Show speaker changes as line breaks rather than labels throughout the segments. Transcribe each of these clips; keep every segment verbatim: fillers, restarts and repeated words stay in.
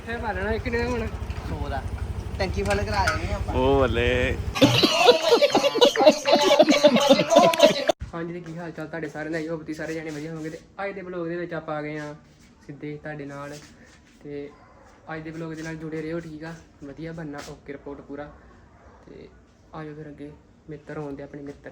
ਇਕੱਠੇ ਪਾ ਲੈਣਾ ਕਿੰਨੇ ਦਾ ਹੁਣ
ਸੌ ਦਾ ਟੈਂਕੀ ਫੁੱਲ ਕਰਾ ਦੇਣੀ ਆਪਾਂ
ਉਹ ਬੱਲੇ।
ਹਾਂਜੀ ਤੇ ਕੀ ਹਾਲ ਚਾਲ ਤੁਹਾਡੇ ਸਾਰਿਆਂ ਦਾ? ਹੋਪ ਤੁਸੀਂ ਸਾਰੇ ਜਾਣੇ ਵਧੀਆ ਹੋਵੋਗੇ। ਤੇ ਅੱਜ ਦੇ ਬਲੌਗ ਦੇ ਵਿੱਚ ਆਪਾਂ ਆ ਗਏ ਆ ਸਿੱਧੇ ਤੁਹਾਡੇ ਨਾਲ। ਤੇ ਅੱਜ ਦੇ ਬਲੌਗ ਦੇ ਨਾਲ ਜੁੜੇ ਰਹੋ, ਠੀਕ ਆ? ਵਧੀਆ ਬਣਨਾ, ਓਕੇ ਰਿਪੋਰਟ ਪੂਰਾ। ਤੇ ਆਜੋ ਫਿਰ ਅੱਗੇ ਮਿੱਤਰ ਹੋਣ ਦੇ ਆਪਣੇ ਮਿੱਤਰ।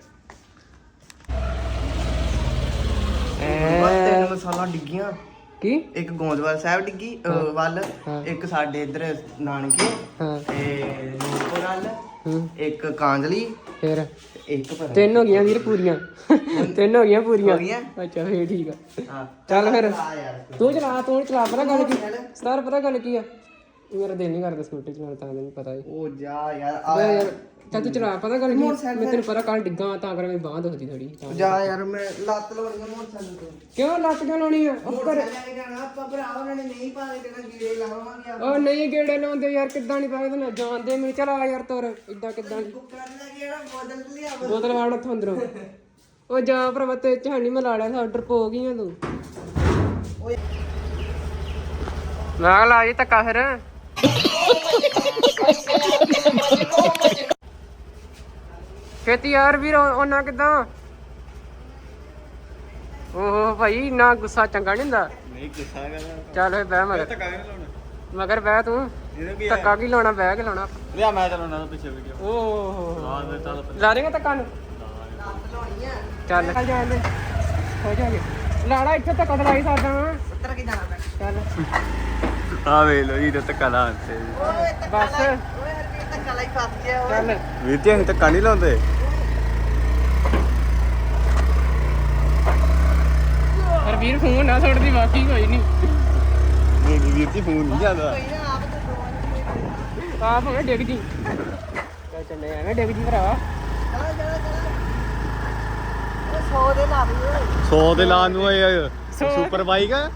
ਤਿੰਨ ਮਸਾਲਾ ਡਿੱਗੀਆਂ,
ਕੀ?
ਇੱਕ ਗੋਂਦਵਾਲ ਸਾਹਿਬ ਡਿੱਗੀ ਅਹ ਵੱਲ, ਇੱਕ ਸਾਡੇ ਇੱਧਰ ਨਾਨਕੇ
ਹਾਂ
ਤੇ ਨੂਰਪੁਰ ਵੱਲ,
ਹੂੰ
ਇੱਕ ਕਾਂਜਲੀ,
ਫਿਰ
ਇੱਕ ਪਤਾ
ਤਿੰਨ ਹੋ ਗਈਆਂ ਵੀਰ ਪੂਰੀਆਂ। ਤਿੰਨ ਹੋ ਗਈਆਂ ਪੂਰੀਆਂ।
ਹੋ ਗਈਆਂ?
ਅੱਛਾ ਫੇਰ ਠੀਕ ਆ।
ਹਾਂ
ਚੱਲ ਫਿਰ
ਆ ਯਾਰ
ਤੂੰ ਚਲਾ, ਤੂੰ ਚਲਾ। ਪਤਾ ਗੱਲ ਕੀ ਸਰ, ਪਤਾ ਗੱਲ ਕੀ ਆ? ਮੇਰਾ ਦਿਲ ਨਹੀਂ ਕਰਦਾ ਸਕੂਟੀ ਚਲਾਉਣ, ਤਾਂ ਮੈਨੂੰ ਪਤਾ ਹੈ।
ਉਹ ਜਾ ਯਾਰ
ਆ
ਆ
ਯਾਰ ਚੱਲ ਤੂੰ ਚਲਾ। ਪਤਾ ਗੱਲ ਕੀ, ਮੈਂ ਤੈਨੂੰ ਪਤਾ ਕੱਲ ਡਿੱਗਾ ਤਾਂ ਕਰ ਮੇਰੀ ਬਾਂਹ ਦੁਖਦੀ ਥੋੜੀ।
ਜਾ ਯਾਰ ਮੈਂ ਲੱਤ ਲਾਉਣੀ ਆ ਮੋਟਰਸਾਈਕਲ ਤੋਂ।
ਕਿਉਂ ਲੱਤ ਕਿਉਂ ਲਾਉਣੀ ਆ? ਉਹ ਕਰ
ਲੈ ਕੇ ਜਾਣਾ ਆਪਾਂ ਭਰਾ, ਉਹਨਾਂ ਨੇ ਨਹੀਂ ਪਾ ਕੇ ਦੇਣਾ, ਗੀੜੇ ਲਾਵਾਂਗੇ ਆਪਾਂ।
ਉਹ ਨਹੀਂ ਗੇੜੇ ਲਾਉਂਦੇ ਯਾਰ, ਕਿੱਦਾਂ ਨਹੀਂ ਪਾਏ ਤੈਨੂੰ ਜਾਣਦੇ ਮੈਨੂੰ। ਚਲ ਆ ਯਾਰ ਤੁਰ, ਇਦਾਂ ਕਿੱਦਾਂ
ਕੁੱਕਰਾਂ ਲੈ ਕੇ ਆਣਾ, ਬੋਤਲ ਤੇ ਲਿਆ।
ਬੋਤਲ ਵਾੜ ਉੱਥੋਂ ਅੰਦਰੋਂ। ਉਹ ਜਾ ਭਰਾਵਾ ਤੇ ਝਾਣੀ ਮੈਂ ਲਾ ਲਿਆ, ਆਰਡਰ ਪੋ ਗਈ ਆ ਤੂੰ।
ਓਏ
ਮੈਂ ਲਾ ਜੀ ਧੱਕਾ ਫਿਰ। ਖੇਤੀ ਯਾਰ ਵੀਰ ਉਹਨਾਂ ਕਿੱਦਾਂ? ਓਹੋ ਭਾਈ ਨਾ ਗੁੱਸਾ ਚੰਗਾ ਨਹੀਂ ਹੁੰਦਾ।
ਨਹੀਂ ਗੁੱਸਾ ਕਰਦਾ।
ਚੱਲ ਫੇ ਬਹਿ ਮਗਰ।
ਧੱਕਾ ਨਹੀਂ ਲਾਉਣਾ।
ਮਗਰ ਬਹਿ ਤੂੰ।
ਇਹਨੂੰ ਕੀ
ਧੱਕਾ ਕੀ ਲਾਉਣਾ, ਬਹਿ ਕੇ ਲਾਉਣਾ।
ਲਿਆ ਮੈਂ ਚਲਾਉਣਾ ਤਾਂ ਪਿੱਛੇ ਵੀਡੀਓ।
ਓਹ
ਹਾਂ ਤੇ ਚੱਲ
ਲਾ ਦੇਗਾ ਧੱਕਾ ਨੂੰ।
ਲੱਤ ਲਾਉਣੀ ਆ,
ਚੱਲ ਚੱਲ ਜਾਂਦੇ ਹੋ ਜਾਗੇ। ਲਾੜਾ ਇੱਥੇ ਧੱਕਾ ਦਲਾਈ ਸਕਦਾ ਵਾਂ।
ਉੱਤਰ ਕੇ ਜਾਣਾ ਪੈਣਾ।
ਚੱਲ
ਆ ਵੇ ਲੋ ਜੀ ਤੇ ਧੱਕਾ ਲਾਉਣ ਤੇ।
ਓਏ ਧੱਕਾ
ਬਸ।
ਲਾ- ਓਏ ਹਰ ਕੋਈ ਧੱਕਾ ਲਾਈ ਫਸ ਗਿਆ ਓਏ।
ਚੱਲ
ਵੀਰ ਜੀ ਅਸੀਂ ਧੱਕਾ ਨਹੀਂ ਲਾਉਂਦੇ।
ਪਰ ਵੀਰ ਫੋਨ ਨਾ ਛੱਡਦੀ, ਬਾਕੀ ਕੋਈ ਨਹੀਂ।
ਨਹੀਂ ਨਹੀਂ ਵੀਰ ਜੀ ਫੋਨ ਨਹੀਂ ਜਾਂਦਾ।
ਕੋਈ ਨਾ ਆਪ ਤੇ ਦੋਵਾਂ
ਆਪ ਹੋਵੇ ਡਿੱਗ ਜੀ। ਚੱਲ ਚੱਲੇ ਐਵੇਂ ਡਿੱਗ ਜੀ ਭਰਾ।
ਚਲਾ ਚਲਾ ਚਲਾ। ਓਏ ਸੌ ਦੇ ਲਾ ਦੇ ਓਏ।
ਸੌ ਦੇ ਲਾਉਣ ਨੂੰ ਇਹ
ਸੌ।
ਸੁਪਰ ਬਾਈਕ ਆ।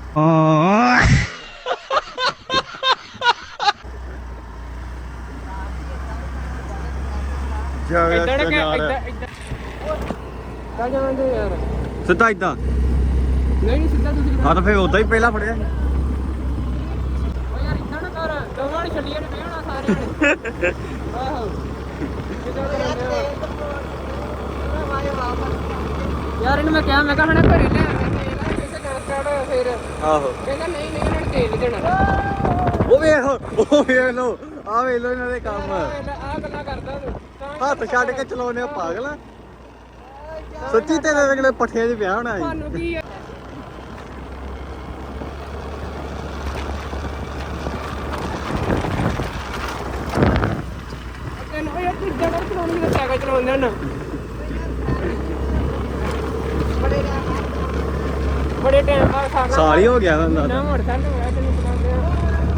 ਜਾ
ਇਦਾਂ ਨਾ ਕਿ ਇਦਾਂ ਇਦਾਂ ਚੱਲ ਜਾਂਦੇ ਯਾਰ।
ਸਿੱਧਾ ਇਦਾਂ।
ਨਹੀਂ ਨਹੀਂ ਸਿੱਧਾ ਦੂਸਰੀ
ਹਾਂ ਤਾਂ ਫੇਰ ਉਦਾਂ ਹੀ ਪਹਿਲਾਂ ਫੜਿਆ।
ਓ ਯਾਰ ਇਦਾਂ ਨਾ ਕਰ, ਦੋਵਾਂ ਨੇ ਛੱਡੀਆਂ ਨੇ ਬਹਿਣਾ ਸਾਰਿਆਂ ਨੇ। ਆਹੋ ਕਿੱਦਾਂ ਕਰਦੇ ਆ?
ਵਾਏ ਵਾਪਸ
ਯਾਰ ਇਹਨੂੰ ਮੈਂ ਕਿਹਾ, ਮੈਂ ਕਿਹਾ ਹਣਾ ਘਰੇ ਲੈ ਆਵਾਂ ਤੇਲ ਆ, ਕਿਸੇ ਦਾ ਸਟਾਰਟ ਫਿਰ
ਆਹੋ
ਕਹਿੰਦਾ ਨਹੀਂ ਨਹੀਂ ਉਹਨਾਂ ਨੇ ਤੇਲ ਨਹੀਂ ਦੇਣਾ।
ਉਹ ਵੇਖ ਉਹ ਵੇਖ ਲੋ ਆ ਵੇਖ ਲੋ ਇਹਨਾਂ ਦੇ ਕੰਮ।
ਆਹ ਗੱਲਾਂ ਕਰਦਾ ਤੂੰ ਤਾਂ
ਹੱਥ ਛੱਡ ਕੇ ਚਲਾਉਨੇ ਆ ਪਾਗਲ ਆ। ਸੱਚੀ ਤੇਰੇ ਅਗਲੇ ਪੱਠਿਆਂ 'ਚ ਪਿਆ ਹੋਣਾ ਸੀ।
ਤੁਹਾਨੂੰ ਕੀ ਆ? ਤੈਨੂੰ ਉਹ ਯਾਰ ਤੂੰ ਇੱਦਾਂ ਕਰ ਚਲਾਉਣੀ, ਮੈਂ ਸਾਈਕਲ ਚਲਾਉਂਦਾ ਨਾ।
ਬੜੇ ਨਾ
ਬੜੇ ਟਾਈਮ ਬਾਅਦ ਖਾਣਾ
ਸਾਲ ਹੀ ਹੋ ਗਿਆ ਹੁੰਦਾ
ਨਾ ਮੋਟਰਸਾਈਕਲ ਹੋਇਆ ਤੈਨੂੰ ਚਲਾਉਂਦੇ ਆ।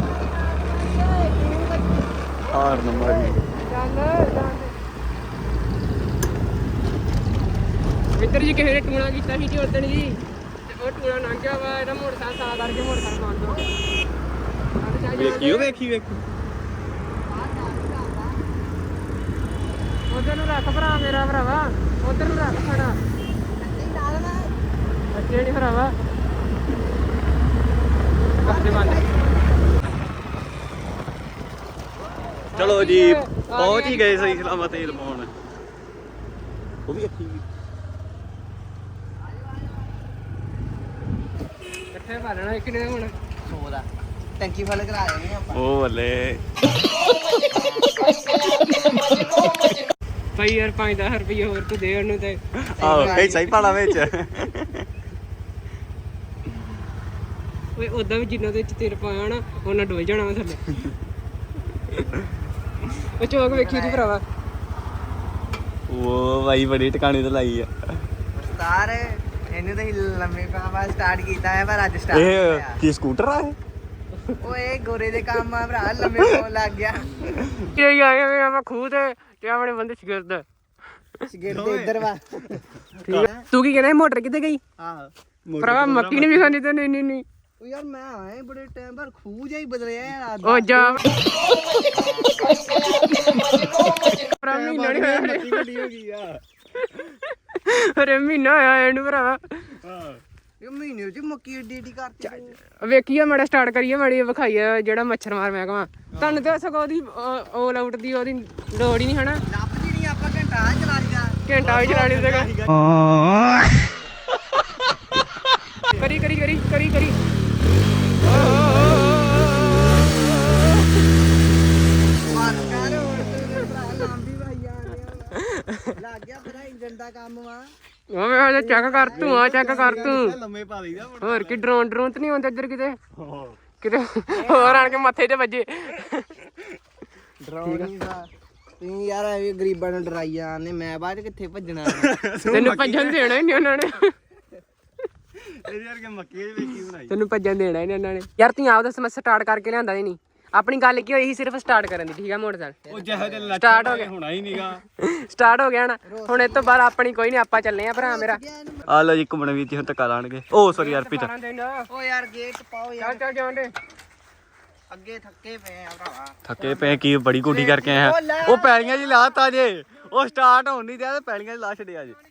ਹਾਰ ਨੰਬਰ ਜੀ।
ਚੱਲ ਜਾਂਦੇ ਮਿੱਤਰ ਜੀ, ਕਿਸੇ ਨੇ ਟੂਣਾ ਕੀਤਾ ਸੀ ਜੀ ਉਦਣ ਜੀ, ਤੇ ਉਹ ਟੂਣਾ ਲੰਘ ਗਿਆ ਵਾ। ਇਹਦਾ ਮੋਟਰਸਾਈਕਲ ਤਾਂ ਕਰਕੇ ਮੋਟਰਸਾਈਕਲ ਬੰਦ ਹੋ ਗਿਆ।
ਵੇਖੀ ਉਹ ਵੇਖੀ ਵੇਖੀ।
ਉਧਰ ਨੂੰ ਰੱਖ ਭਰਾ ਮੇਰਾ ਭਰਾਵਾ, ਉਧਰ ਨੂੰ ਰੱਖ ਖੜਾ। ਅੱਛੇ ਨਹੀਂ ਭਰਾਵਾ, ਅੱਛੇ ਬੰਦ।
ਚਲੋ ਜੀ ਪਹੁੰਚ ਹੀ ਗਏ ਸਹੀ ਸਲਾਮਤ ਤੇਲ ਪਾਉਣ। ਉਹ ਵੀ ਅੱਖੀ
ਇਕੱਠੇ ਪਾ ਲੈਣਾ ਕਿੰਨੇ ਹੁਣ
ਸੌ ਦਾ ਟੈਂਕੀ ਫੁੱਲ ਕਰਾ ਦੇਣੀ ਆਪਾਂ।
ਉਹ ਬੱਲੇ।
ਭਾਈ ਯਾਰ ਪੰਜ ਦਸ ਰੁਪਏ ਹੋਰ ਤੂੰ ਦੇ ਉਹਨੂੰ ਤੇ।
ਆਹੋ ਕਈ ਸਹੀ ਪਾਣਾ ਵਿੱਚ।
ਓਏ ਉਦਾਂ ਵੀ ਜਿੰਨਾ ਦੇ ਵਿੱਚ ਤੇਲ ਪਾਇਆ ਨਾ ਉਹਨਾਂ ਡੋਲ ਜਾਣਾ ਵਾ ਥੱਲੇ। ਉਹ ਚੌਕ ਵੇਖੀ ਤੂੰ ਭਰਾਵਾ।
ਉਹ ਬਾਈ ਬੜੀ ਟਿਕਾਣੀ ਤੇ ਲਾਈ ਆ।
ਉਸਤਾਰ ਇਹਨੂੰ ਤਾਂ ਹੀ ਲੰਮੇ ਪਾਵਾ ਸਟਾਰਟ ਕੀਤਾ ਹੈ, ਪਰ ਅੱਜ ਸਟਾਰਟ
ਇਹ
ਹੋਇਆ।
ਕੀ ਸਕੂਟਰ ਆ ਇਹ?
ਓਏ ਗੋਰੇ ਦੇ ਕੰਮ ਆ ਭਰਾ, ਲੰਮੇ ਪਾਉਣ ਲੱਗ ਗਿਆ।
ਕੀ ਆਏ ਵੇ ਆਪਾਂ ਖੂਹ ਤੇ ਤੇ ਆਪਣੇ ਬੰਦੇ ਸਿਗਰਦ।
ਸਿਗਰਟ ਦੇ ਇੱਧਰ ਵਾ।
ਠੀਕ ਹੈ, ਤੂੰ ਕੀ ਕਹਿੰਦਾ ਮੋਟਰ ਕਿੱਥੇ ਗਈ?
ਆਹ
ਭਰਾਵਾ ਮੱਕੀ ਨਹੀਂ ਵਿਖਾਉਂਦੀ ਤੇ ਨਹੀਂ ਨਹੀਂ ਨਹੀਂ।
ਉਹ ਯਾਰ ਮੈਂ ਆਏ ਬੜੇ ਟਾਈਮ ਬਾਅਦ, ਖੂਹ ਜਿਹਾ ਹੀ ਬਦਲਿਆ ਯਾਰ ਅੱਜ।
ਉਹ ਜਾ ਭਰਾ ਮਹੀਨਾ ਨਹੀਂ ਹੋਇਆ
ਮੱਕੀ ਵੱਡੀ ਹੋ ਗਈ ਆ।
ਅਰੇ ਮਹੀਨਾ ਹੋਇਆ ਇਹਨੂੰ ਭਰਾਵਾ।
ਹਾਂ
ਇਹ ਮਹੀਨੇ ਚ ਮੱਕੀ ਏਡੀ ਏਡੀ ਕਰਤੀ
ਵੇਖੀਏ ਮਾੜਾ ਸਟਾਰਟ ਕਰੀਏ ਮਾੜੀ ਵਿਖਾਈਏ ਜਿਹੜਾ ਮੱਛਰ ਮਾਰ ਮੈਂ ਕਹਾਂ ਤੁਹਾਨੂੰ ਤੇ ਸਗੋਂ ਉਹਦੀ ਆਲ ਆਊਟ ਦੀ ਉਹਦੀ ਲੋੜ ਹੀ ਨਹੀਂ ਹਨਾ
ਲੱਭਦੀ ਨਹੀਂ ਆਪਾਂ ਘੰਟਾ ਚਲਾ ਲਈਦਾ
ਘੰਟਾ ਵੀ ਚਲਾ ਲਈ ਸੀਗਾ ਕਰੀ ਕਰੀ ਕਰੀ ਕਰੀ ਕਰੀ
ਮਾਰ ਹੋਰ ਤੇ ਭਰਾ ਲਾਂਬੀ ਭਾਈ ਆ ਲੱਗ ਗਿਆ ਫਿਰ ਇੰਜਨ ਦਾ ਕੰਮ ਵਾ
ਉਹ ਮੈਂ ਚੈੱਕ ਕਰ ਤੂੰ ਆ ਚੈੱਕ ਕਰ ਤੂੰ
ਲੰਮੇ ਪਾ ਲਈਦਾ
ਹੋਰ ਕੀ ਡਰੋਨ ਡਰੋਨ ਤੇ ਨਹੀਂ ਆਉਂਦਾ ਇੱਧਰ ਕਿਤੇ ਕਿਤੇ ਹੋਰ ਆਣ ਕੇ ਮੱਥੇ ਤੇ ਵੱਜੇ
ਡਰਾਉਣ ਨਹੀਂ ਦਾ ਤੁਸੀਂ ਯਾਰ ਐਵੇਂ ਗਰੀਬਾਂ ਨੂੰ ਡਰਾਈ ਜਾਂਦੇ ਮੈਂ ਬਾਅਦ ਚ ਕਿੱਥੇ ਭੱਜਣਾ
ਤੈਨੂੰ ਭੱਜਣ ਦੇਣਾ ਹੀ ਨਹੀਂ ਉਹਨਾਂ ਨੇ
ਇਹਦੇ ਵਰਗੇ ਮੱਕੀ ਦੀ ਵੇਖੀ ਬਣਾਈ
ਤੈਨੂੰ ਭੱਜਣ ਦੇਣਾ ਹੀ ਨਹੀਂ ਉਹਨਾਂ ਨੇ ਯਾਰ ਤੂੰ ਆਪਦਾ ਸਮੱਸਿਆ ਸਟਾਰਟ ਕਰਕੇ ਲਿਆਂਦਾ ਹੀ ਨਹੀਂ ਆਪਣੀ ਗੱਲ ਕੀ ਹੋਈ ਸੀ ਸਿਰਫ ਸਟਾਰਟ ਕਰਨ ਦੀ ਠੀਕ ਆ ਮੋਟਰਸਾਈਕਲ
ਉਹ ਜਿਹੋ ਜਿਹਾ ਲੱਛਣ
ਸਟਾਰਟ ਹੋ ਗਿਆ
ਹੋਣਾ ਹੀ ਨਹੀਂਗਾ
ਸਟਾਰਟ ਹੋ ਗਿਆ ਨਾ ਹੁਣ ਇਸ ਤੋਂ ਬਾਅਦ ਆਪਣੀ ਕੋਈ ਨਹੀਂ ਆਪਾਂ ਚੱਲੇ ਆ ਭਰਾ ਮੇਰਾ
ਆ ਲੋ ਜੀ ਘੁੰਮਣ ਵੀਰ ਜੀ ਹੁਣ ਧੱਕਾ ਲਾਣਗੇ ਓ ਸੌਰੀ ਯਾਰ ਪਿਤਾ
ਓ ਯਾਰ ਗੇਟ ਪਾਓ ਯਾਰ
ਚੱਲ ਚੱਲ ਜਾਂਦੇ
ਅੱਗੇ ਥੱਕੇ ਪਏ ਆ ਭਰਾਵਾ
ਥੱਕੇ ਪਏ ਕੀ ਬੜੀ ਗੁੱਡੀ ਕਰਕੇ ਆਇਆ ਉਹ ਪੈਲੀਆਂ ਜੀ ਲਾਤਾ ਜੇ ਉਹ ਸਟਾਰਟ ਹੋਣ ਨਹੀਂ ਦਿਆ ਤੇ ਪੈਲੀਆਂ 'ਚ ਲਾ ਛੱਡਿਆ ਜੇ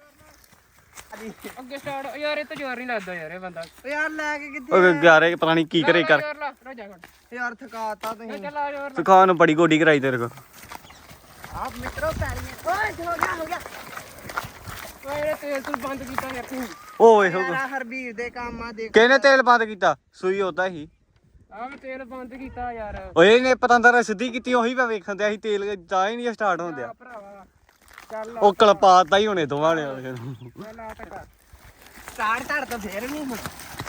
ਅੱਗੇ ਸਟਾਰਟ ਯਾਰ ਇਹ ਤਾਂ ਜ਼ੋਰ ਨਹੀਂ ਲੱਗਦਾ ਯਾਰ ਇਹ ਬੰਦਾ
ਓ ਯਾਰ ਲੈ ਕੇ ਕਿੱਥੇ
ਉਹ ਯਾਰੇ ਪਤਾ ਨਹੀਂ ਕੀ ਕਰੇ ਕਰ
ਜ਼ੋਰ ਲਾ ਰੋਜਾ ਕਰ
ਯਾਰ ਥਕਾਤਾ ਤੁਸੀਂ
ਚੱਲ ਆ ਜ਼ੋਰ
ਸੁਖਾਨ ਨੂੰ ਬੜੀ ਗੋਡੀ ਕਰਾਈ ਤੇਰੇ ਕੋ
ਆਪ ਮਿੱਤਰੋ ਪੈਰੀਆਂ ਓਏ ਹੋ ਗਿਆ ਹੋ ਗਿਆ
ਓਏ ਇਹ ਤੇਲ ਤੂੰ ਬੰਦ ਕੀਤਾ ਯਾਰ ਤੂੰ
ਓਏ ਹੋ
ਯਾਰ ਹਰਬੀਰ ਦੇ ਕੰਮ ਆ ਦੇਖ
ਕਿਹਨੇ ਤੇਲ ਬੰਦ ਕੀਤਾ ਸੂਈ ਉਦਾਂ ਹੀ
ਆਹ ਮੈਂ ਤੇਲ ਬੰਦ ਕੀਤਾ ਯਾਰ
ਓਏ ਇਹਨੇ ਪਤੰਦਰ ਸਿੱਧੀ ਕੀਤੀ ਉਹੀ ਮੈਂ ਵੇਖਣ ਦਿਆ ਸੀ ਤੇਲ ਤਾਂ ਹੀ ਨਹੀਂ ਸਟਾਰਟ ਹੋਣ ਦਿਆ
ਭਰਾਵਾ ਚੱਲ
ਉਹ ਕਲਪਾਤਾ ਹੀ ਹੋਣੇ ਦੋਵਾਂ ਨੇ
ਚੱਲ ਆ ਟਕਾ
ਸਟਾਰਟ ਧੜ ਤਾਂ ਫੇਰ ਨਹੀਂ ਹੁਣ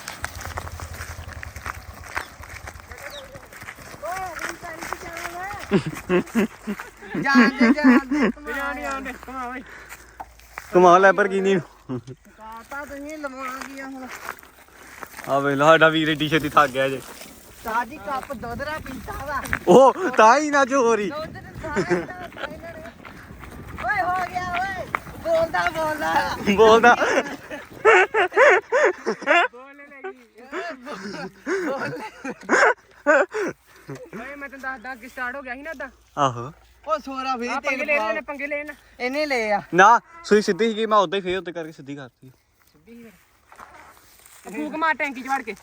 ਜਾਂਦੇ ਜਾਂਦੇ
ਬਿਰਿਆਨੀ ਆਉਂਦੇ ਕਮਾ ਓਏ
ਕਮਾਲ ਲੈਬਰਗੀਨੀ
ਕਾਤਾ ਤੁਸੀਂ ਲਵਾਉਣਗੀ ਹੁਣ
ਆ ਵੇ ਸਾਡਾ ਵੀਰ ਏਡੀ ਛੇਤੀ ਥੱਕ ਗਿਆ ਜੇ
ਸਾਜੀ ਕੱਪ ਦੁੱਧ ਦਾ ਪੀਤਾ ਵਾ
ਉਹ ਤਾਂ ਹੀ ਨਾ ਜੋਰੀ
ਦੁੱਧ ਦੇ ਸਾਰੇ ਤਾਂ ਇਹਨਾਂ ਨੇ ਓਏ ਹੋ ਗਿਆ ਓਏ ਬੋਲਦਾ ਬੋਲਦਾ
ਬੋਲਦਾ
ਬੋਲਨੇ ਲੱਗੀ ਓਏ ਮੈਂ ਤੈਨੂੰ ਦੱਸਦਾ ਅੱਗੇ ਸਟਾਰਟ ਹੋ ਗਿਆ ਸੀ ਨਾ ਅੱਦਾ
ਆਹੋ
ਉਹ ਸੋਰਾ ਵੀ
ਆ ਪੰਗੇ
ਤੇਲ
ਲੈ
ਪਾਓ
ਇਹਨੇ ਪੰਗੇ ਲੈ ਇਹਨਾਂ
ਇਹਨੇ ਲੈ ਆ
ਨਾ ਸੂਈ ਸਿੱਧੀ ਸੀਗੀ ਮੈਂ ਉਦਾਂ ਹੀ ਫੇਰ ਉੱਤੇ ਕਰਕੇ ਸਿੱਧੀ ਕਰਤੀ
ਫੂਕ ਮਾਰ ਟੈਂਕੀ ਚ ਵੜ ਕੇ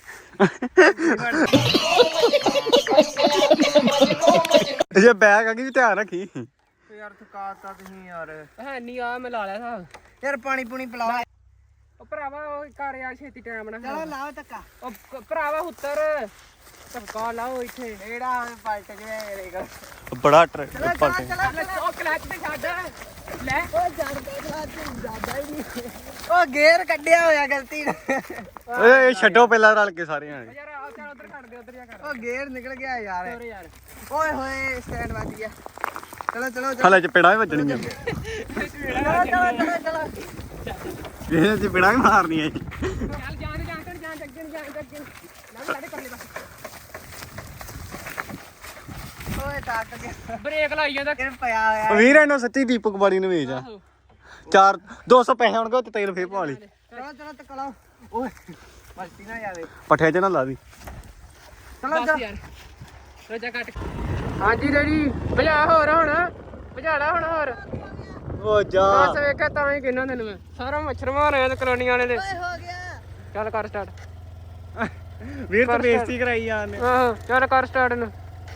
ਜੇ ਬੈਗ ਆ ਗਈ ਧਿਆਨ ਰੱਖੀ
ਯਾਰ ਥਕਾਤਾ ਤੁਸੀਂ ਯਾਰ
ਹੈ ਨਹੀਂ ਆ ਮੈਂ ਲਾ ਲਿਆ ਸਾਬ
ਯਾਰ ਪਾਣੀ ਪੂਣੀ ਪਿਲਾਓ
ਉਹ ਭਰਾਵਾ ਉਹ ਕਰ ਯਾਰ ਛੇਤੀ ਟਾਈਮ ਨਾ
ਚਲੋ ਲਾਓ ਧੱਕਾ
ਉਹ ਕ- ਭਰਾਵਾ ਉੱਤਰ ਧੱਕਾ ਲਾਓ ਇੱਥੇ
ਕਿਹੜਾ ਪਲਟ ਗਿਆ ਮੇਰੇ ਕੋਲ
ਬੜਾ ਟਰ
ਚਲੋ
ਪਲਟ
ਚਲੋ
ਉਹ ਕਲੱਚ ਤੇ ਛੱਡ ਲੈ
ਉਹ ਜੜ ਕੇ ਖਲਾ ਤੂੰ ਜ਼ਿਆਦਾ ਹੀ ਨਹੀਂ ਉਹ ਗੇਅਰ ਕੱਢਿਆ ਹੋਇਆ ਗਲਤੀ ਨਾਲ
ਓਏ ਛੱਡੋ ਪਹਿਲਾਂ ਰਲ ਕੇ ਸਾਰੇ ਜਾਣੇ
ਯਾਰ ਆ ਚੱਲ ਉਧਰ ਕੱਢ ਦੇ ਉਧਰ ਜਾ ਕਰ
ਉਹ ਗੇਅਰ ਨਿਕਲ ਗਿਆ ਯਾਰ
ਹੋਰ ਯਾਰ
ਓਏ ਹੋਏ ਸਟੈਂਡ ਵੱਜ ਗਿਆ ਚਲੋ ਚਲੋ ਚਲੋ
ਹਲੇ ਚਪੇੜਾਂ ਹੀ ਵੱਜਣੀਆਂ
ਚਲੋ ਚਲੋ ਚਲੋ
ਇਹ ਚਪੇੜਾਂ ਹੀ ਮਾਰਨੀਆਂ ਜੀ
ਚੱਲ ਜਾਣ ਜਾਣ ਕਰ ਜਾਣ ਅੱਗੇ ਨੂੰ ਜਾਣ ਅੱਗੇ ਨਾ ਸਾਡੇ ਕਰ ਲੈ ਬਸ
ਓਏ ਟੱਕ ਗਿਆ
ਬ੍ਰੇਕ ਲਾਈ ਜਾਂਦਾ
ਕਿਰ ਪਿਆ ਹੋਇਆ
ਵੀਰ ਇਹਨੂੰ ਸੱਚੀ ਦੀਪਕ ਬਾੜੀ ਨੂੰ ਵੇਚ ਆ ਚਾਰ ਦੋ ਸੌ ਪੈਸੇ ਹੋਣਗੇ ਤੇ ਤੇਲ ਫੇਰ ਪਵਾ ਲਈ
ਚਲੋ ਚਲੋ ਤੱਕ ਲਾਓ ਓਏ ਮਲਟੀ ਨਾ ਜਾਵੇ
ਪੱਠਿਆਂ 'ਚ ਨਾ ਲਾ ਦੀ
ਚਲੋ
ਬਸ ਯਾਰ ਰੋਜਾ ਕੱਟ ਹਾਂਜੀ ਡੈਡੀ ਭਜਾ ਹੋਰ ਹੁਣ ਭਜਾੜਾ ਹੁਣ ਹੋਰ
ਓ ਜਾ
ਬਸ ਵੇਖਿਆ ਤਾਂ ਹੀ ਕਿੰਨਾ ਤੈਨੂੰ ਮੈਂ ਸਾਰਾ ਮੱਛਰ ਮਾਰਿਆ ਤੇ ਕਲੋਨੀਆਂ ਵਾਲੇ ਦੇ
ਓਏ ਹੋ ਗਿਆ
ਚੱਲ ਕਰ ਸਟਾਰਟ
ਵੀਰ ਤੂੰ ਬੇਇੱਜ਼ਤੀ ਕਰਾਈ ਜਾਂਦੇ
ਆਹੋ ਚੱਲ ਕਰ ਸਟਾਰਟ ਨੂੰ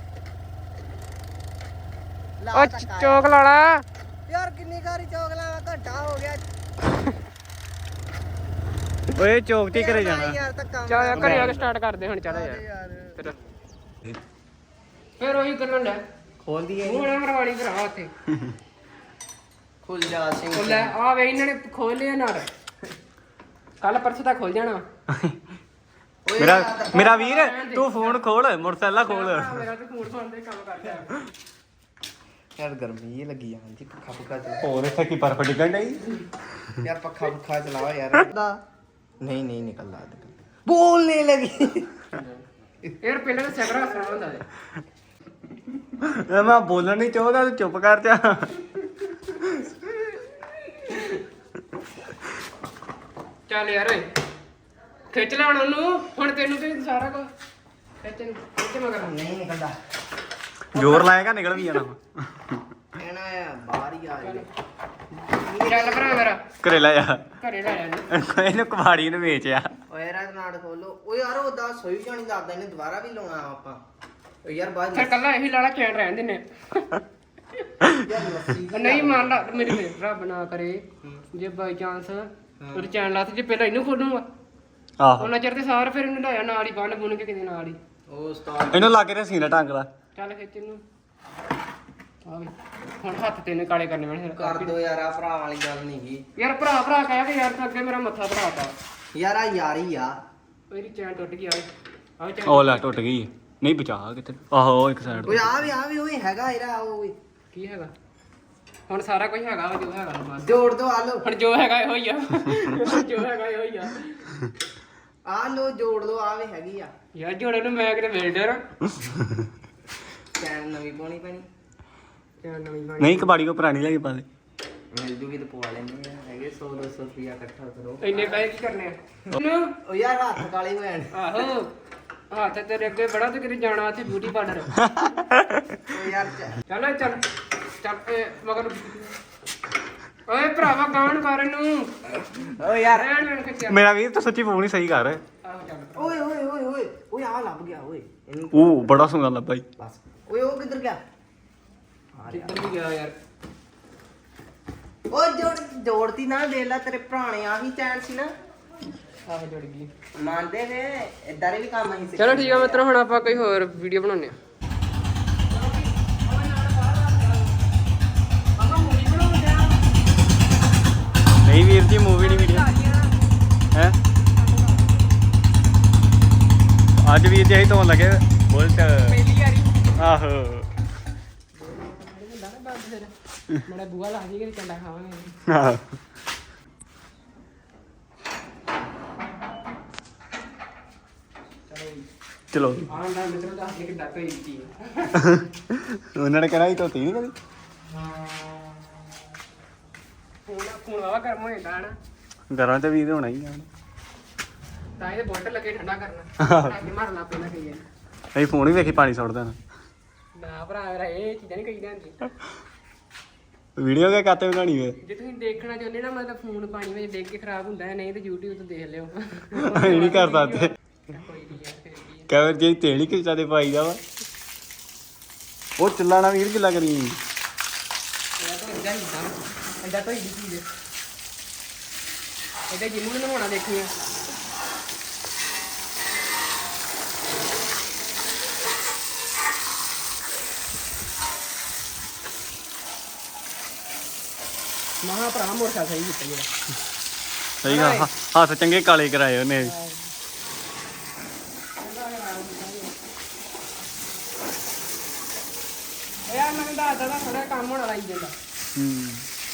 ਲਾ
ਉਹ
ਧੱਕਾ
ਚੋਕ ਲਾ ਲਾ
ਯਾਰ ਕਿੰਨੀ ਵਾਰੀ ਚੌਕ ਲਾਵਾ ਘੰਟਾ ਹੋ ਗਿਆ
ਓਏ ਚੌਕ ਤੇ ਘਰੇ ਜਾਣਾ
ਯਾਰ ਧੱਕਾ
ਚੱਲ ਯਾਰ ਘਰੇ ਆ ਕੇ ਸਟਾਰਟ ਕਰਦੇ ਹੁਣ ਚੱਲ ਯਾਰ
ਯਾਰ
ਫਿਰ ਫਿਰ ਉਹੀ ਕਰਨ ਲੈ
ਖੋਲ ਦਈਏ
ਮੂੰਹ ਨਾ ਮਰਵਾਣੀ ਭਰਾ ਉੱਥੇ
ਖੁੱਲ ਜਾ ਸਿੰਘ
ਉਹ ਲੈ ਆ ਵੇ ਇਹਨਾਂ ਨੇ ਖੋਲ ਲਿਆ ਨਾਲ ਕੱਲ ਪਰਸੋਂ ਤੱਕ ਖੁੱਲ ਜਾਣਾ
ਮੇਰਾ ਮੇਰਾ ਵੀਰ ਤੂੰ ਫੋਨ ਖੋਲ ਮੋਟਰਸਾਈਕਲ ਖੋਲ
ਮੇਰਾ ਤੇ ਫੋਨ ਫੋਨ ਦੇ ਕੰਮ ਕਰਦਾ
ਯਾਰ ਗਰਮੀ ਇਹ ਲੱਗੀ ਜਾਂਦੀ ਪੱਖਾ ਪੱਖਾ ਚਲਾ
ਹੋਰ ਇੱਥੇ ਕੀ ਬਰਫ ਡਿੱਗਣ ਡਈ
ਯਾਰ ਪੱਖਾ ਪੱਖਾ ਚਲਾਓ ਯਾਰ ਨਹੀਂ ਨਹੀਂ ਨਿਕਲਦਾ ਬੋਲਨੇ ਲੱਗੀ
ਯਾਰ ਪਹਿਲਾਂ ਤਾਂ ਸੈਕਰਾ ਹੱਸਣਾ ਹੁੰਦਾ ਸੀ
ਮੈਂ ਬੋਲਣ ਨਹੀਂ ਚਾਹੁੰਦਾ ਤੂੰ ਚੁੱਪ ਕਰ ਜਾ
ਚੱਲ ਯਾਰ ਓਏ ਖਿੱਚ ਲੈ ਹੁਣ ਉਹਨੂੰ ਹੁਣ ਤੈਨੂੰ ਤੇ ਸਾਰਾ ਕੁਝ ਖਿੱਚ ਨੂੰ ਖਿੱਚ ਮਗਰ
ਨਹੀਂ ਨਿਕਲਦਾ
ਜ਼ੋਰ ਲਾਏਗਾ ਨਿਕਲ ਵੀ ਜਾਣਾ
ਕਹਿਣਾ ਆ ਬਾਹਰ ਹੀ ਆ ਜਾਵੇ
ਚੱਲ ਭਰਾ ਮੇਰਾ
ਘਰੇ ਲੈ ਜਾ
ਘਰੇ ਲੈ ਜਾ
ਇਹਨੂੰ ਕਬਾੜੀ ਨੂੰ ਵੇਚਿਆ
ਓਏ ਰਾਤ ਨਾੜ ਖੋਲੋ ਓ ਯਾਰ ਉਹਦਾ ਸੋਈ ਜਾਣੀ ਦੱਸਦਾ ਇਹਨੇ ਦੁਬਾਰਾ ਵੀ ਲਾਉਣਾ ਆਪਾਂ ਓ ਯਾਰ ਬਾਅਦ
ਫਿਰ ਕੱਲਾ ਇਹੀ ਲਾਲਾ ਚੈਨ ਰਹਿਣ ਦਿੰਨੇ
ਯਾਰ ਲੱਸੀ
ਨਹੀਂ ਮੰਨ ਲਾ ਮੇਰੀ ਮੇਰ ਰੱਬ ਨਾ ਕਰੇ ਜੇ ਬਾਈ ਚਾਂਸ ਉਹਦੇ ਚੈਨ ਲਾ ਤੇ ਜੇ ਪਹਿਲਾਂ ਇਹਨੂੰ ਖੋਲੂਗਾ
ਆਹੋ
ਉਹਨਾਂ ਚਿਰ ਤੇ ਸਾਰ ਫਿਰ ਇਹਨੂੰ ਲਾਇਆ ਨਾਲ ਹੀ ਬੰਨ ਬੁੰਨ ਕੇ ਕਿਤੇ ਨਾਲ ਹੀ
ਉਹ ਉਸਤਾਦ
ਇਹਨੂੰ ਲੱਗ ਰਿਹਾ ਸੀਨਾ ਟੰਗ ਲਾ
ਚੱਲ ਖਿੱਚ ਇਹਨੂੰ ਆ ਵੀ ਹੁਣ ਹੱਥ ਤੇ ਨੇ ਕਾਲੇ ਕਰਨੇ ਮੈਨੇ
ਕਰ ਦੋ ਯਾਰ ਆ ਭਰਾ ਵਾਲੀ ਗੱਲ ਨਹੀਂ ਗੀ
ਯਾਰ ਭਰਾ ਭਰਾ ਕਹਿ ਕੇ ਯਾਰ ਤੂੰ ਅੱਗੇ ਮੇਰਾ ਮੱਥਾ ਭਰਾਤਾ
ਯਾਰ ਆ ਯਾਰੀ ਆ
ਮੇਰੀ ਚੈਨ ਟੁੱਟ ਗਈ ਆ ਆ ਚੈਨ
ਉਹ ਲੈ ਟੁੱਟ ਗਈ ਨਹੀਂ ਬਚਾ ਕਿਤੇ ਆਹੋ ਇੱਕ ਸਾਈਡ
ਓਏ ਆ ਵੀ ਆ ਵੀ ਓਏ ਹੈਗਾ ਇਹਦਾ ਓਏ
ਕੀ ਹੈਗਾ ਹੁਣ ਸਾਰਾ ਕੁਝ ਹੈਗਾ ਵਾ ਜੋ ਹੈਗਾ ਬਸ
ਜੋੜ ਦੋ ਆ ਲੋ
ਹੁਣ ਜੋ ਹੈਗਾ ਇਹੋ ਹੀ ਆ ਜੋ ਹੈਗਾ ਇਹੋ ਹੀ ਆ
ਆ ਲੋ ਜੋੜ ਦੋ ਆ ਵੀ ਹੈਗੀ ਆ
ਯਾਰ ਜੋੜੇ ਨੂੰ ਮੈਂ ਕਿਤੇ ਵੇਲਡਰ
ਚੈਨ ਨਵੀਂ ਪਾਉਣੀ ਪੈਣੀ
ਚੈਨ ਨਵੀਂ ਬਣੀ
ਨਹੀਂ ਕਬਾੜੀ ਕੋ ਪੁਰਾਣੀ ਲੈ ਕੇ ਪਾ ਦੇ
ਮਿਲ ਜੂਗੀ ਤੇ ਪਵਾ ਲੈਂਦੇ ਆ ਹੈਗੇ ਸੌ ਦੋ ਸੌ ਰੁਪਿਆ ਇਕੱਠਾ ਕਰੋ
ਇੰਨੇ ਪੈਸੇ ਕੀ ਕਰਨੇ ਆ
ਓ ਯਾਰ ਹੱਥ ਕਾਲੇ ਹੋਏ ਨੇ
ਆਹੋ ਹੱਥ ਤੇਰੇ ਅੱਗੇ ਬੜਾ ਤੇ ਕਿਤੇ ਜਾਣਾ ਉੱਥੇ ਬਿਊਟੀ ਪਾਰਲਰ
ਓ ਯਾਰ ਚ-
ਚੱਲ ਚੱਲ ਚੱਲ ਇਹ ਮਗਰ ਓਏ ਭਰਾਵਾ ਗਾਣ ਕਰਨ ਨੂੰ
ਓ ਯਾਰ
ਰਹਿਣ ਲੈਣ ਖਿੱਚਿਆ
ਮੇਰਾ ਵੀਰ ਤੂੰ ਸੱਚੀ ਫੋਨ ਹੀ ਸਹੀ ਕਰ
ਆਹੋ ਚੱਲ
ਓਏ ਓਏ ਓਏ ਓਏ ਓਏ ਆ ਲੱਭ ਗਿਆ ਓਏ ਇਹਨੂੰ
ਉਹ ਬੜਾ ਸੋਹਣਾ ਲੱਭਾ ਈ
ਬਸ ਓਏ ਉਹ ਕਿੱਧਰ ਗਿਆ
ਕਿੱਧਰ ਵੀ ਗਿਆ ਯਾਰ
ਓ ਜੋੜ ਜੋੜਤੀ ਨਾ ਦੇ ਲੈ ਤੇਰੇ ਪੁਰਾਣੇ ਆ ਹੀ ਚੈਨ ਸੀ ਨਾ
ਆਹੋ ਜੁੜ ਗਈ
ਮੰਨਦੇ ਨੇ ਇਦਾਂ ਦੇ ਵੀ ਕੰਮ ਅਸੀਂ ਸਿੱਖੇ
ਚਲੋ ਠੀਕ ਆ ਮਿੱਤਰੋ ਹੁਣ ਆਪਾਂ ਕੋਈ ਹੋਰ ਵੀਡੀਓ ਬਣਾਉਂਦੇ ਆ
ਨਹੀਂ ਵੀਰ ਜੀ ਮੂਵੀ ਨਹੀਂ ਵੀਡੀਓ ਹੈ ਅੱਜ ਵੀਰ ਜੀ ਅਸੀਂ ਧੋਣ ਲੱਗੇ ਬੁਲਟ
ਪਹਿਲੀ ਵਾਰੀ
ਆਹੋ
ਮੇਰਾ ਬੂਆ ਲਾ ਜੀ ਕਿ ਚੰਡਾ ਖਾਵਾਂਗੇ
ਆਹੋ। ਚਲੋ
ਆਹ ਨਾ ਮਿੱਤਰੋ ਦੱਸ ਦੇ ਕਿ ਡੱਕ ਹੋਈ ਕੀ
ਉਹਨਾਂ ਨੇ ਕਹਿਣਾ ਸੀ ਧੋਤੀ ਨਹੀਂ ਕਦੀ
ਫੋਨ ਫੋਨ ਵਾਵਾ ਗਰਮ ਹੋ ਜਾਂਦਾ ਨਾ
ਘਰਾਂ ਤੇ ਵੀਰ ਹੋਣਾ ਹੀ ਆ
ਤਾਂ ਇਹ ਬੋਟਲ ਲੱਗੇ ਠੰਡਾ ਕਰਨਾ ਅੱਗੇ ਮਾਰਨਾ ਪੈਣਾ ਕਈ ਵਾਰੀ
ਅਸੀਂ ਫੋਨ ਹੀ ਵੇਖੀ ਪਾਣੀ ਸੁੱਟ ਦੇਣਾ
ਨਾ ਭਰਾ ਮੇਰਾ ਇਹ ਚੀਜ਼ਾਂ ਨਹੀਂ ਕਹੀਦੀਆਂ ਹੁੰਦੀਆਂ
ਵੀਡੀਓ ਕਿਆ ਕਾਤੇ ਬਣਾਣੀ ਵੇ
ਜੇ ਤੁਸੀਂ ਦੇਖਣਾ ਚਾਹੁੰਦੇ ਨਾ ਮਤਲਬ ਫੋਨ ਪਾਣੀ ਵਿੱਚ ਡਿੱਗ ਕੇ ਖਰਾਬ ਹੁੰਦਾ ਹੈ ਨਹੀਂ ਤੇ YouTube ਤੋਂ ਦੇਖ ਲਿਓ
ਅਸੀਂ ਨਹੀਂ ਕਰ ਸਕਦੇ
ਕੋਈ ਨਹੀਂ ਯਾਰ ਫਿਰ ਕੀ ਹੈ।
ਕਵਰ ਜੇ ਤੇਲ ਹੀ ਖਿੱਚਾ ਦੇ ਪਾਈਦਾ ਵਾ ਉਹ ਚੱਲਾਣਾ ਵੀਰ ਕਿੱਲਾ ਕਰੀ
ਇਹ ਤਾਂ ਇੰਦਾ ਹੀ ਹੁੰਦਾ ਇੰਦਾ ਤਾਂ ਹੀ ਦੀ ਚੀਜ਼ ਇਹਦੇ ਜਿੰਮੂ ਨੂੰ ਨਹਾਉਣਾ ਦੇਖੀਏ ਮਹਾ ਭਰਾ ਮੋਰਖਾ ਸਹੀ ਕੀਤਾ ਜਿਹੜਾ
ਸਹੀ ਗੱਲ ਹ- ਹੱਥ ਚੰਗੇ ਕਾਲੇ ਕਰਾਏ ਉਹਨੇ
ਯਾਰ ਮੈਨੂੰ ਦੱਸਦਾ ਤਾਂ ਥੋੜਾ ਕੰਮ ਹੋਣਾ ਲਾਈ ਜਾਂਦਾ
ਹੂੰ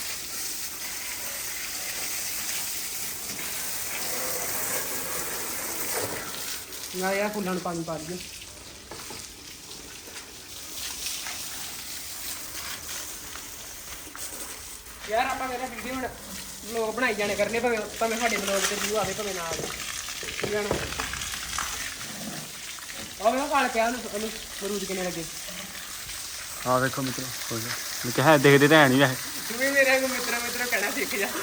ਨਾ ਯਾਰ ਫੁੱਲਾਂ ਨੂੰ ਪਾਣੀ ਪਾ ਦਈਏ ਯਾਰ ਆਪਾਂ ਮੇਰਾ ਵੀਡੀਓ ਹੁਣ ਵਲੌਗ ਬਣਾਈ ਜਾਣੇ ਕਰਨੇ ਭਾਵੇਂ ਭਾਵੇਂ ਸਾਡੇ ਵਲੌਗ ਤੇ ਵਿਊ ਆਵੇ ਭਾਵੇਂ ਨਾ ਆਵੇ ਠੀਕ ਹੈ ਨਾ ਉਹ ਮੈਂ ਕਾਲ ਪਿਆ ਉਹਨੂੰ ਉਹਨੂੰ ਮਰੂਦ ਕਿੰਨੇ ਲੱਗੇ
ਆ ਵੇਖੋ ਮਿੱਤਰੋ ਹੋ ਗਿਆ ਮੈਂ ਕਿਹਾ ਦੇਖਦੇ ਤਾਂ ਹੈ ਨਹੀਂ ਵੈਸੇ
ਤੂੰ ਵੀ ਮੇਰੇ ਨੂੰ ਮਿੱਤਰ ਮਿੱਤਰ ਕਹਿਣਾ ਸਿੱਖ ਜਾ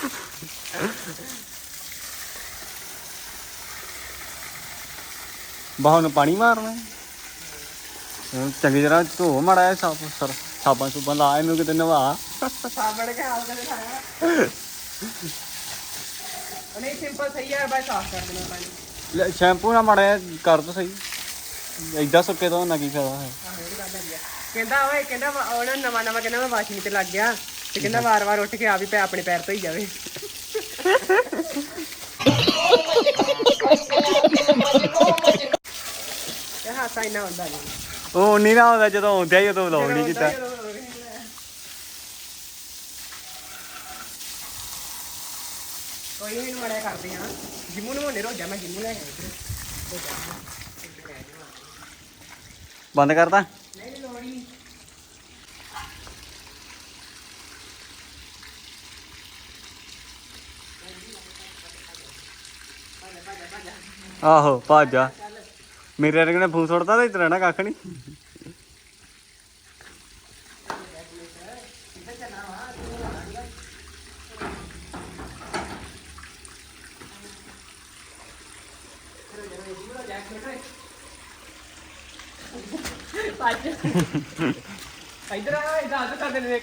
ਬਾਹਰ ਨੂੰ ਪਾਣੀ ਮਾਰਨਾ ਹੁਣ ਚੰਗੀ ਤਰ੍ਹਾਂ ਧੋ ਮਾੜਾ ਜਿਹਾ ਸਾਫ ਸਰ ਸਾਬਾਂ ਸੁਬਾਂ ਲਾ ਇਹਨੂੰ ਕਿਤੇ ਨਵਾ
ਸਾਬਣ ਕੇ ਹਾਲ ਕਦੇ ਖਾਇਆ ਨਹੀਂ ਸਿੰਪਲ ਸਹੀ ਹੈ ਬਾਈ ਸਾਫ਼ ਕਰ ਦੇਣਾ ਪਾਣੀ
ਲੈ, ਸ਼ੈਂਪੂ ਨਾਲ ਮਾੜਾ ਜਿਹਾ ਕਰ ਦੋ ਸਹੀ ਏਦਾਂ ਸੁੱਕੇ ਤੋਂ ਨਾ ਕੀ ਫਾਇਦਾ ਹੈ
ਆਹੋ ਇਹ ਤਾਂ ਗੱਲ ਹੈਗੀ ਆ। ਕਹਿੰਦਾ ਓਏ ਕਹਿੰਦਾ ਵਾ- ਉਹ ਨਾ ਨਵਾਂ ਨਵਾਂ ਕਹਿੰਦਾ ਮੈਂ ਵਾਸ਼ਿੰਗ ਤੇ ਲੱਗ ਗਿਆ ਤੇ ਕਹਿੰਦਾ ਵਾਰ-ਵਾਰ ਉੱਠ ਕੇ ਆ ਵੀ ਪੈ ਆਪਣੇ ਪੈਰ ਧੋਈ ਜਾਵੇ ਇਹ ਹਾਸਾ ਇੰਨਾ ਹੁੰਦਾ ਨਹੀਂ
ਉਹ ਨਹੀਂ ਨਾ ਹੁੰਦਾ ਜਦੋਂ ਆਉਂਦਿਆ ਹੀ ਉਦੋਂ ਵਲੌਗ ਨਹੀਂ ਕੀਤਾ
ਕੋਈ ਨਹੀਂ ਮੜਿਆ ਕਰਦੇ ਆ ਜਿੰਮੂ ਨੂੰ ਮੋਨੇ ਰੋਜਾ ਮੈਂ ਜਿੰਮੂ ਲੈ ਕੇ
ਬੰਦ ਕਰਦਾ
ਨਹੀਂ ਨਹੀਂ ਲੋੜੀ
ਆਹੋ ਭੱਜ ਜਾ ਮੇਰੇ ਵਰਗੇ ਨੇ ਫੂਸ ਸੁੱਟਦਾ ਤਾਂ ਇਤਨਾ ਨਾ ਕੱਖ ਨਹੀਂ
ਅੱਜ ਇਧਰ ਆ ਇਧਰ ਆ ਕਰ ਦੇ ਦੇਖ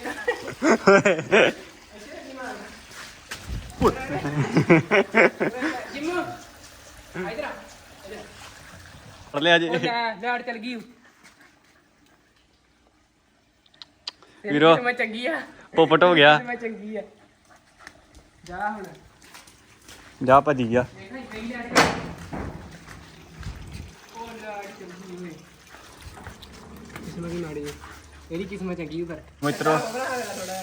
ਜਿੰਮੂ ਇਧਰ ਆ
ਫੜ ਲਿਆ ਜੀ
ਉਹ ਲੈ ਲੈਟ ਚਲ ਗਈ
ਵੀਰੋ।
ਮੈਂ ਚੰਗੀ ਆ
ਪੋਪਟ ਹੋ ਗਿਆ
ਮੈਂ ਚੰਗੀ ਆ ਜਾ ਹੁਣ
ਜਾ ਭੱਜੀ ਗਿਆ
ਦੇਖਾਂ ਕਈ ਲੈਟ ਉਹ ਲੈਟ ਚੰਗੀ ਹੋਈ ਕਿਸਮਤ ਦੀ ਮਾੜੀ ਇਹਦੀ ਕਿਸਮਤ ਚੰਗੀ ਪਰ
ਮਿੱਤਰੋ
ਥੋੜਾ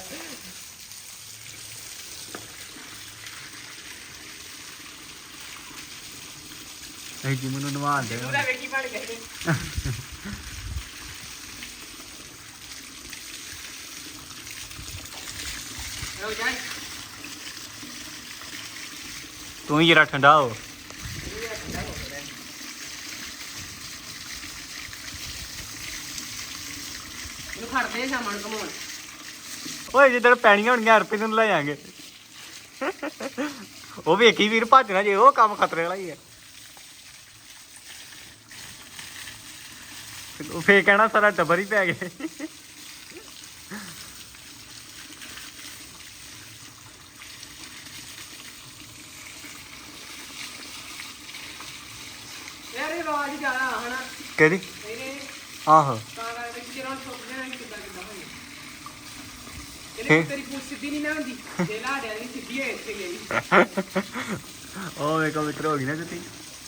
ਅਸੀਂ ਜਿਮ ਨੂੰ ਨਵਾਉਂਦੇ
ਉਹਦਾ ਵੇਖੀ ਬਣ ਗਏ ਲੋ ਜਾਈ
ਤੂੰ ਹੀ ਜਰਾ ਠੰਡਾ ਹੋ
ਇਹਨੂੰ ਖੜਦੇ ਆ ਸ਼ਾਮਾਂ ਨੂੰ ਘਮਾਉਣ
ਓਏ ਜਿੱਦਣ ਪੈਣੀਆਂ ਹੋਣਗੀਆਂ ਹਰਪੀ ਨੂੰ ਲੈ ਜਾਾਂਗੇ ਉਹ ਵੇਖੀ ਵੀਰ ਭੱਜਣਾ ਜੇ ਉਹ ਕੰਮ ਖਤਰੇ ਵਾਲਾ ਹੀ ਹੈ ਉਹ ਫੇਰ ਕਹਿਣਾ ਸਾਰਾ ਟੱਬਰ ਹੀ ਪੈ ਗਏ
ਯਾਰ ਇਹ ਆਵਾਜ਼ ਜ਼ਿਆਦਾ ਹਨਾ
ਕਿਹੜੀ
ਇਹਨੇ
ਆਹੋ
ਤਾਂ ਕਰਕੇ ਜਿਹੜਾ ਠੋਕ ਦੇਣਾ ਕਿ ਕਿੱਦਾਂ ਕਿੱਦਾਂ ਹੋਈ
ਹੈਂ?
ਇਹਨੇ ਤੇਰੀ ਪੂਛ ਸਿੱਧੀ ਨਹੀਂ ਨਾ ਹੁੰਦੀ ਜੇ ਲਾੜਿਆਂ ਦੀ ਸਿੱਧੀ ਹੋਏ ਇੱਥੇ ਗਈ
ਉਹ ਵੇਖੋ ਮਿੱਤਰ ਹੋ ਗਈ ਨਾ ਜੁੱਤੀ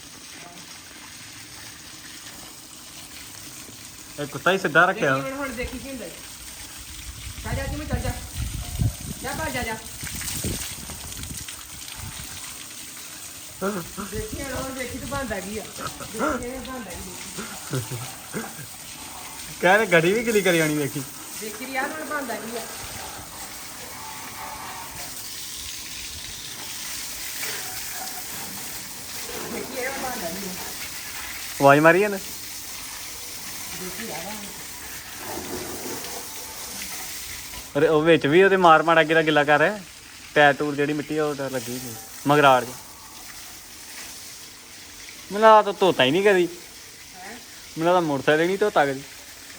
ਇਹ ਕੁੱਤਾ ਹੀ ਸਿੱਧਾ ਰੱਖਿਆ
ਦੇਖੀ ਹੁਣ ਹੁਣ ਦੇਖੀ ਕੀ ਹੁੰਦਾ ਜਾ ਜਾ ਜਿਵੇਂ ਚੱਲ ਜਾ ਜਾ ਬਾਹਰ ਜਾ ਜਾ ਦੇਖੀ ਹੁਣ ਦੇਖੀ ਤੂੰ ਬੰਦਾ ਕੀ ਆ ਦੇਖੀ ਇਹ ਬੰਦਾ ਕੀ
ਕਹਿੰਦੇ ਗੱਡੀ ਵੀ ਗਿੱਲੀ ਕਰੀ ਆਣੀ ਵੇਖੀ
ਦੇਖੀ ਯਾਰ ਹੁਣ ਬੰਦਾ ਕੀ ਆ ਦੇਖੀ ਇਹ ਬੰਦਾ ਕੀ ਆ
ਆਵਾਜ਼ ਮਾਰੀ ਇਹਨੇ ਅਰੇ ਉਹ ਵਿੱਚ ਵੀ ਉਹਦੇ ਮਾਰ ਮਾਰ ਅੱਗੇ ਦਾ ਗਿੱਲਾ ਕਰ ਰਿਹਾ ਟੈਰ ਟੂਰ ਜਿਹੜੀ ਮਿੱਟੀ ਆ ਉਹ ਤਾਂ ਲੱਗੀ ਹੋਈ ਮਗਰਾੜ ਚ ਮੈਨੂੰ ਲੱਗਦਾ ਤਾਂ ਧੋਤਾ ਹੀ ਨਹੀਂ ਕਦੀ ਮੈਨੂੰ ਲੱਗਦਾ ਮੋਟਰਸਾਈਕਲ ਨਹੀਂ ਧੋਤਾ ਕਦੀ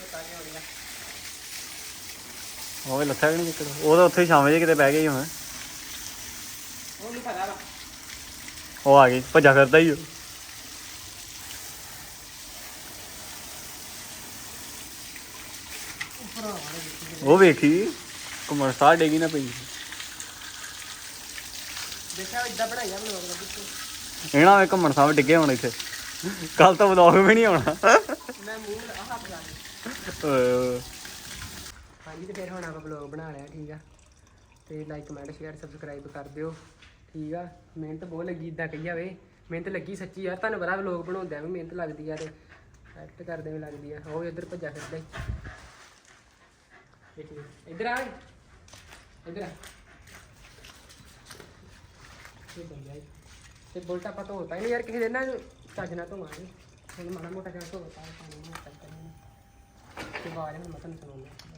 ਉਹ ਲੱਥਾ ਵੀ ਨਹੀਂ ਨਿਕਲ ਉਹ ਤਾਂ ਉੱਥੇ ਛਾਵੇਂ ਜੇ ਕਿਤੇ ਬਹਿ ਗਈ ਹੁਣ
ਉਹ ਨਹੀਂ ਪਤਾ ਵਾ
ਉਹ ਆ ਗਈ ਭੱਜਾ ਫਿਰਦਾ ਹੀ ਉਹ ਉਹ ਵੇਖੀ ਘੁੰਮਣ ਸਾਹ ਡੇਗੀ ਨਾ ਪਈ
ਦੇਖਿਆ ਇਦਾਂ ਬਣਾਈਆ ਬਲੌਗ ਦਾ ਵਿੱਚ
ਇਹਨਾਂ ਵੇ ਘੁੰਮਣ ਸਾਹ ਡਿੱਗੇ ਹੁਣ ਇੱਥੇ ਕੱਲ ਤਾਂ ਵਲੌਗ ਵੀ ਨਹੀਂ ਆਉਣਾ
ਮੈਂ ਮੂੰਹ ਆਹ ਹੱਥ ਲਾ ਲਿਆ
ਓਏ
ਹਾਂਜੀ ਤੇ ਫਿਰ ਹੁਣ ਆਪਾਂ ਬਲੌਗ ਬਣਾ ਲਿਆ ਠੀਕ ਆ ਤੇ ਲਾਈਕ ਕਮੈਂਟ ਸ਼ੇਅਰ ਸਬਸਕ੍ਰਾਈਬ ਕਰ ਦਿਓ ਠੀਕ ਆ ਮਿਹਨਤ ਬਹੁਤ ਲੱਗੀ ਇਦਾਂ ਕਹੀ ਜਾਵੇ ਮਿਹਨਤ ਲੱਗੀ ਸੱਚੀ ਯਾਰ ਤੁਹਾਨੂੰ ਪਤਾ ਬਲੌਗ ਬਣਾਉਂਦਿਆਂ ਵੀ ਮਿਹਨਤ ਲੱਗਦੀ ਆ ਤੇ ਐਕਟ ਕਰਦੇ ਵੀ ਲੱਗਦੀ ਆ ਉਹ ਇੱਧਰ ਭੱਜਾ ਫਿਰਦਾ ਹੀ ਦੇਖੀ ਇੱਧਰ ਆ ਇੱਧਰ ਆ ਇਹ ਬੰਦਾ ਹੈ ਤੇ ਬੁਲਟ ਆਪਾਂ ਧੋਤਾ ਹੀ ਨਹੀਂ ਯਾਰ ਕਿਸੇ ਦਿਨ ਨਾ ਚੱਜ ਨਾਲ ਧੋਵਾਂਗੇ ਹੁਣ ਮਾੜਾ ਮੋਟਾ ਜਿਹਾ ਧੋਤਾ ਪਾਣੀ ਨਾਲ ਕਰਤਾ ਤੇ ਬਾਅਦ ਹੁਣ ਮੈਂ ਤੁਹਾਨੂੰ ਸੁਣਾਉਂਦਾ